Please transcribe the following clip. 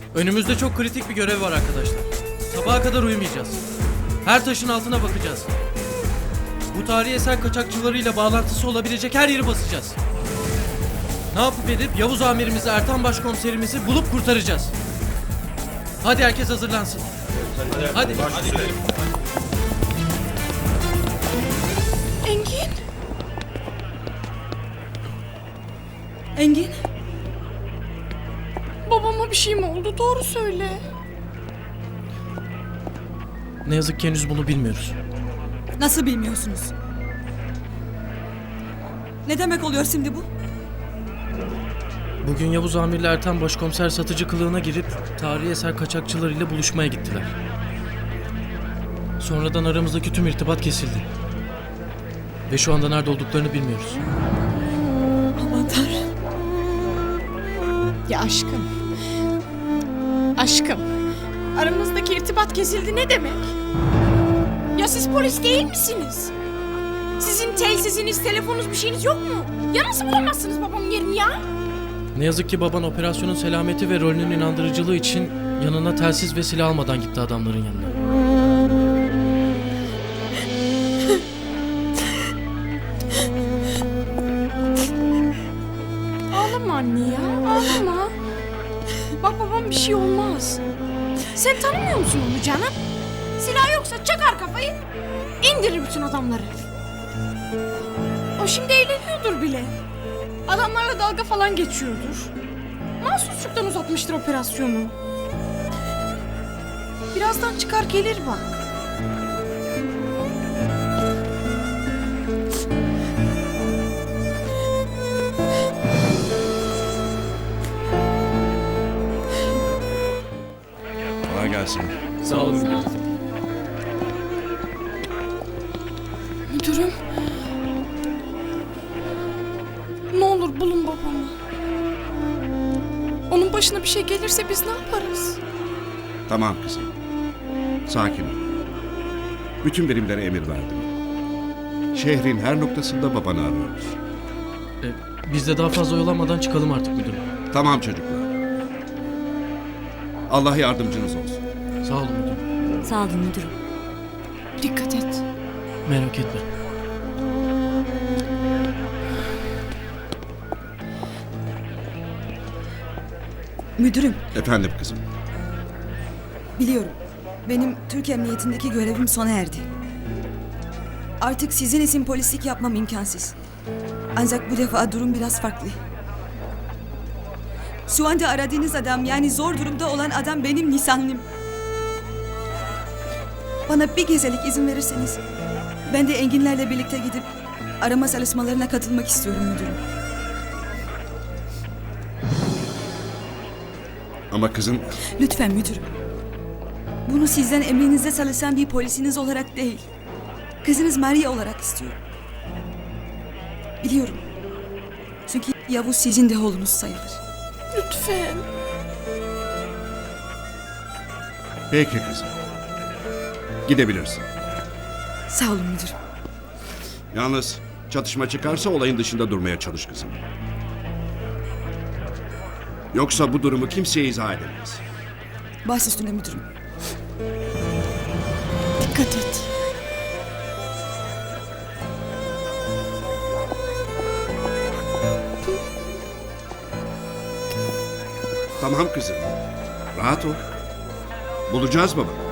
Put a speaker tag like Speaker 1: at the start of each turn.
Speaker 1: Önümüzde çok kritik bir görev var arkadaşlar. Sabaha kadar uyumayacağız. Her taşın altına bakacağız. Bu tarihi eser kaçakçılarıyla bağlantısı olabilecek her yeri basacağız. Ne yapıp edip Yavuz amirimizi, Ertan başkomiserimizi bulup kurtaracağız. Hadi herkes hazırlansın. Hadi.
Speaker 2: Engin? Engin? Babama bir şey mi oldu? Doğru söyle.
Speaker 1: Ne yazık ki henüz bunu bilmiyoruz.
Speaker 3: Nasıl bilmiyorsunuz? Ne demek oluyor şimdi bu?
Speaker 1: Bugün Yavuz amirle Ertan başkomiser satıcı kılığına girip tarihi eser kaçakçılarıyla buluşmaya gittiler. Sonradan aramızdaki tüm irtibat kesildi. Ve şu anda nerede olduklarını bilmiyoruz.
Speaker 3: Aman Tanrım.
Speaker 2: Ya aşkım. Aşkım. Aramızdaki irtibat kesildi ne demek? Ya siz polis değil misiniz? Sizin telsiziniz, telefonunuz bir şeyiniz yok mu? Ya nasıl bulamazsınız babamın yerini ya?
Speaker 1: Ne yazık ki baban operasyonun selameti ve rolünün inandırıcılığı için yanına telsiz ve silah almadan gitti adamların yanına.
Speaker 2: Ağlama anne ya, ağlama. Bak babam bir şey olmaz. Sen tanımıyor musun onu canım? Silah yoksa çakar kafayı, indirir bütün adamları. O şimdi eğleniyordur bile. Adamlarla dalga falan geçiyordur. Mahsusçuktan uzatmıştır operasyonu. Birazdan çıkar gelir bak.
Speaker 4: Kolay gelsin.
Speaker 1: Sağ olun.
Speaker 2: Müdürüm. Ne olur bulun babamı. Onun başına bir şey gelirse biz ne yaparız?
Speaker 4: Tamam kızım. Sakin ol. Bütün birimlere emir verdim. Şehrin her noktasında babanı arıyoruz.
Speaker 1: Biz de daha fazla oyalanmadan çıkalım artık müdürüm.
Speaker 4: Tamam çocuklar. Allah yardımcınız olsun.
Speaker 1: Sağ olun müdürüm.
Speaker 3: Sağ olun müdürüm.
Speaker 2: Dikkat et.
Speaker 1: Merak etme.
Speaker 3: Müdürüm,
Speaker 4: Efendim kızım.
Speaker 3: biliyorum. Benim Türk Emniyetindeki görevim sona erdi. Artık sizin için polislik yapmam imkansız. Ancak bu defa durum biraz farklı. Şu anda aradığınız adam, yani zor durumda olan adam benim nişanlım. Bana bir gecelik izin verirseniz ben de Enginlerle birlikte gidip arama çalışmalarına katılmak istiyorum müdürüm.
Speaker 4: Ama kızım
Speaker 3: Lütfen müdürüm. Bunu sizden emrinizde çalışan bir polisiniz olarak değil, kızınız Maria olarak istiyorum. Biliyorum. Çünkü Yavuz sizin de oğlunuz sayılır.
Speaker 2: Lütfen.
Speaker 4: peki kızım. Gidebilirsin.
Speaker 3: Sağ olun müdürüm.
Speaker 4: Yalnız çatışma çıkarsa olayın dışında durmaya çalış kızım. Yoksa bu durumu kimseye izah edemez.
Speaker 3: Baş üstüne müdürüm.
Speaker 2: Dikkat et.
Speaker 4: Tamam kızım. Rahat ol. Bulacağız baba.